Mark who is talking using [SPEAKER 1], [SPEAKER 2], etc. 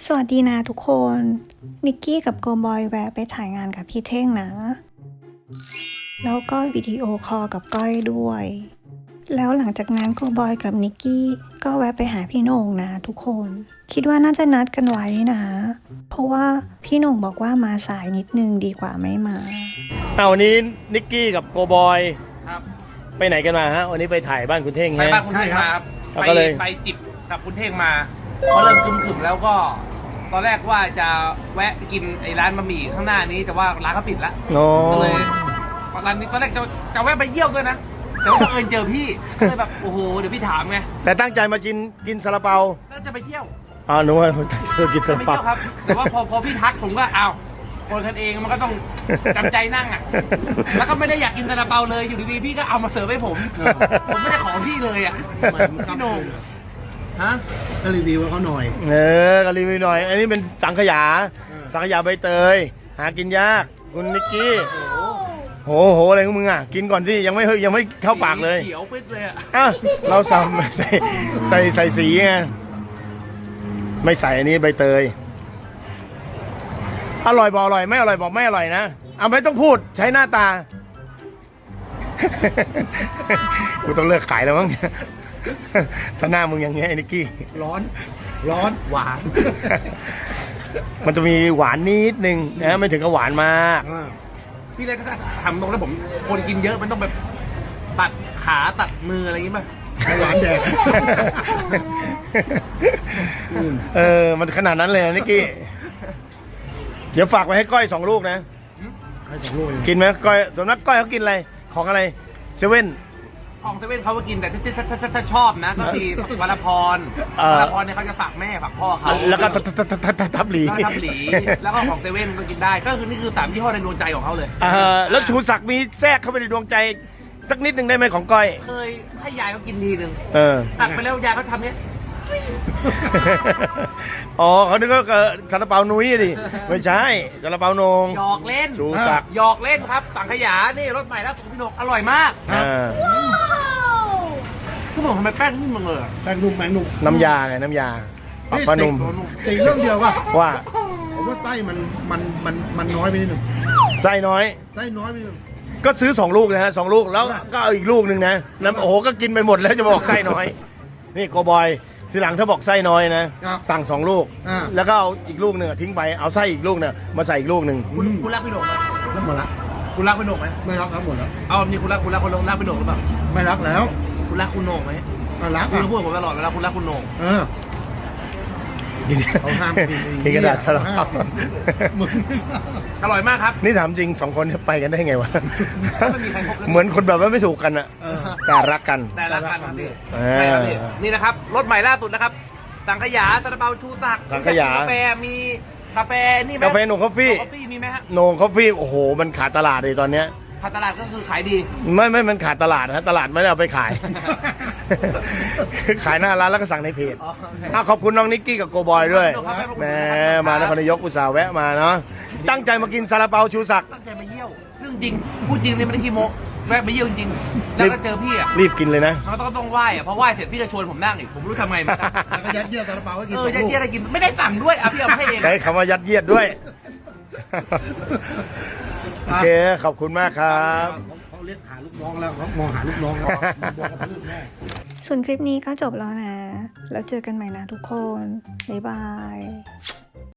[SPEAKER 1] สวัสดีนะทุกคน นิกกี้กับโกบอยแวะไปถ่ายงานกับพี่เท่งนะ แล้วก็วิดีโอคอลกับก้อยด้วย แล้วหลังจากนั้นโกบอยกับนิกกี้ก็แวะไปหาพี่โหน่งนะทุกคน คิดว่าน่าจะนัดกันไว้นะ เพราะว่าพี่โหน่งบอกว่ามาสายนิดนึงดีกว่าไม่มา
[SPEAKER 2] วันนี้นิกกี้กับโกบอย
[SPEAKER 3] ครับ
[SPEAKER 2] ไปไหนกันมาฮะวันนี้ไปถ่ายบ้านคุณเท่ง
[SPEAKER 3] ไป
[SPEAKER 2] ฮะ
[SPEAKER 3] บ้านคุณเท่งมาครับ
[SPEAKER 2] เอาก็เลย
[SPEAKER 3] ไปจิบกับคุณเท่งมาพอเริ่มคึมๆแล้วก็ ตอนแรกว่าจะแวะกินไอ้ร้านบะหมี่ข้างหน้านี้แต่ว่าร้านเขาปิดแล้ว
[SPEAKER 2] โอ้
[SPEAKER 3] ก็เลยร้านนี้ตอนแรกจะแวะไปเยี่ยวด้วยนะแต่ว่าบังเอิญเจอพี่ก็เลยแบบโอ้โหเดี๋ยวพี่ถามไง
[SPEAKER 2] แต่ตั้งใจมากินซาลาเปา
[SPEAKER 3] แล้วจะไปเที่ยว
[SPEAKER 2] หนูว่าเธอกิน
[SPEAKER 3] จะ
[SPEAKER 2] ซา
[SPEAKER 3] ไป
[SPEAKER 2] ลาเปา
[SPEAKER 3] เที่ยวครับแต่ว่าพอพี่ทักผมก็อ้าวคนกันเองมันก็ต้องจำใจนั่งอ่ะแล้วก็ไม่ได้อยากกินซาลาเปาเลยอยู่ดีๆพี่ก็เอามาเสิร์ฟให้ผมไม่ได้ขอพี่เลยอ่ะพี่โหน่งฮะ
[SPEAKER 4] ก็รีวิวให้เขาหน่อย
[SPEAKER 2] ก็รีวิวหน่อย อันนี้เป็นสังขยา สังขยาใบเตย หากินยาก คุณนิกกี้โหอะไรของมึงอ่ะ กินก่อนสิยังไม่เข้าปากเลย
[SPEAKER 3] เขียวปิดเลยอ่ะ
[SPEAKER 2] เราใส่สีไงไม่ใส่อันนี้ใบเตย อร่อยบอกอร่อยไม่อร่อยบอกไม่อร่อยนะเอาไม่ต้องพูดใช้หน้าตา กูต้องเลิกขายแล้วมั้ง ถ้าหน้ามึงอย่างเงี้ยไอ้นิกกี้
[SPEAKER 4] ร้อน
[SPEAKER 3] หวาน
[SPEAKER 2] มันจะมีหวานนิดนึงนะไม่ถึงกับหวานมาก
[SPEAKER 3] พี่เลยก็ทำตรงแล้วผมคนกินเยอะมันต้องแบบตัดขาตัดมืออะไรอย่างงี้ป่ะ
[SPEAKER 4] หวานแดง
[SPEAKER 2] มันขนาดนั้นเลยนิกกี้ เดี๋ยวฝากไว้ให้ก้อย2 ลูกนะ
[SPEAKER 4] ให้สองโลเอง
[SPEAKER 2] กินไหมก้อยส่วนนักก้อยเขากินอะไร ของอะไรเซเว่น
[SPEAKER 3] ของเซเว่นเขาก็กินแต่ถ้าชอบนะก็คือวรพรวรพรเนี่ยเขาจะฝากแม่ฝากพ่อเขา
[SPEAKER 2] แล้วก็ทับหลี
[SPEAKER 3] แล้วก็ทับหลีแล้วก็ของเซเว่นก็กินได้ก็คือนี่คือ3 ยี่ห้อในดวงใจของเขาเลย
[SPEAKER 2] แล้วชูศักดิ์มีแทรกเข้าไปในดวงใจสักนิดหนึ่งได้ไหมของก้อย
[SPEAKER 3] เคยให้ยายเขากินทีนึง ตักไปแล้วยายเขาทำเนี้ย
[SPEAKER 2] เขานึกว่าซาลาเปานุ้ยดิไม่ใช่ซาลาเปาโหนง
[SPEAKER 3] หยอกเล่น
[SPEAKER 2] ชูศักดิ์
[SPEAKER 3] หยอกเล่นครับสังขยานี่รสใหม่แล้วพี่โหน่งอร่อยมากพี่โหน่งทำไมแป้งนุ่มจังเลยอะ
[SPEAKER 4] แป้งนุ่ม
[SPEAKER 2] น้ำยาไงน้ำยาปรับผ้านุ่ม
[SPEAKER 4] ติเรื่องเดียวป่ะ
[SPEAKER 2] ว่า
[SPEAKER 4] ผมว่าไส้มันน้อยไปนิดหนึ่ง
[SPEAKER 2] ไส้น้อย
[SPEAKER 4] ไส้น้อยไปนิดหนึ่ง
[SPEAKER 2] ก็ซื้อ2 ลูกนะฮะ2 ลูกแล้วก็เอาอีกลูกหนึ่งนะน้ำก็กินไปหมดแล้วจะบอกไส้น้อย นี่โกบอยทีหลังถ้าบอกไส้น้อยนะสั่ง2 ลูก แล้วก็เอาอีกลูกหนึ่งทิ้งไปเอาไส้อีกลูกเนี่ยมาใส่อีกลูกหนึ่ง
[SPEAKER 3] คุณรักพี่โหน่งไหม
[SPEAKER 4] แล้วหมดละ
[SPEAKER 3] คุณรักพี่โหน่งไหม
[SPEAKER 4] ไม่รักหมดแล้ว
[SPEAKER 3] เอาแบบนี้คุณรักพี่โหน่งหรือเปล่า
[SPEAKER 4] ไม่รักแล้ว
[SPEAKER 3] คุณรักคุณโหน่งไหม
[SPEAKER 4] รัก
[SPEAKER 3] คุณ
[SPEAKER 4] อ่ะ
[SPEAKER 3] พูดกับผมตลอดเวลาคุณรักคุณโหน่ง
[SPEAKER 4] เขาห้ามกิน
[SPEAKER 2] กินกระดาษสลับ
[SPEAKER 4] มึง
[SPEAKER 3] อร่อยมากครับ
[SPEAKER 2] นี่ถามจริง2 คนไปกันได้ไงวะ
[SPEAKER 3] ไม่มีใครคบกัน
[SPEAKER 2] เหมือนคนแบบว่าไม่ถูกกันอะแต่รักกัน
[SPEAKER 3] แต่ละกันครับพี่
[SPEAKER 2] เออ
[SPEAKER 3] ใช่ครับพี่นี่นะครับรสใหม่ล่าสุดนะครับสังขยาซาลาเปาชูศักดิ์
[SPEAKER 2] สังขยา
[SPEAKER 3] กาแฟมีกาแฟนี่ไหม
[SPEAKER 2] กาแฟโหนงคอฟฟี่
[SPEAKER 3] กาแฟมีไหมฮะ
[SPEAKER 2] โหนงคอฟฟี่โอ้โหมันขาดตลาดเลยตอนเนี้ย
[SPEAKER 3] ขาดตลาดก็คือขายดี
[SPEAKER 2] ไม่มันขาดตลาดนะตลาดไม่ได้เอาไปขาย ขายหน้าร้านแล้วก็สั่งในเพจ
[SPEAKER 3] อ๋อโอเค
[SPEAKER 2] ขอบคุณน้องนิกกี้กับโกบอยด้วย
[SPEAKER 3] ขอบคุณครับ
[SPEAKER 2] แหมมานครนายกอุตส่าห์แวะมาเนาะตั้งใจมากินซาลาเปาชูศักดิ์
[SPEAKER 3] ตั้งใจมาเยี่ยวเรื่องจริงพูดจริงเลยไม่ได้ขี้โม้แวะมาเยี่ยวจริงๆแล้วก็เจอพี่อ่ะ
[SPEAKER 2] รีบกินเลยนะ
[SPEAKER 3] มันต้องไหว้อ่ะพอไหว้เสร็จพี่จะชวนผมนั่งอีกผมไม่รู้ทำไงเหมือนกัน
[SPEAKER 4] แล้วก็ยัดเยียดซาลาเปาให้กิน
[SPEAKER 3] ยัดเยียดอะไรกินไม่ได้สั่งด้วยอ่ะพี่เอามาให้เอง
[SPEAKER 2] ใช้คำว่ายัดเยียดด้วย โอเคขอบคุณมากครับ
[SPEAKER 4] เขาเรียกหาลูกน้องแล้วเขามองหาลูกน้องแล้วบอกกับเรื่องแม่
[SPEAKER 1] ส่วนคลิปนี้ก็จบแล้วนะ แล้วเจอกันใหม่นะทุกคน บ๊ายบาย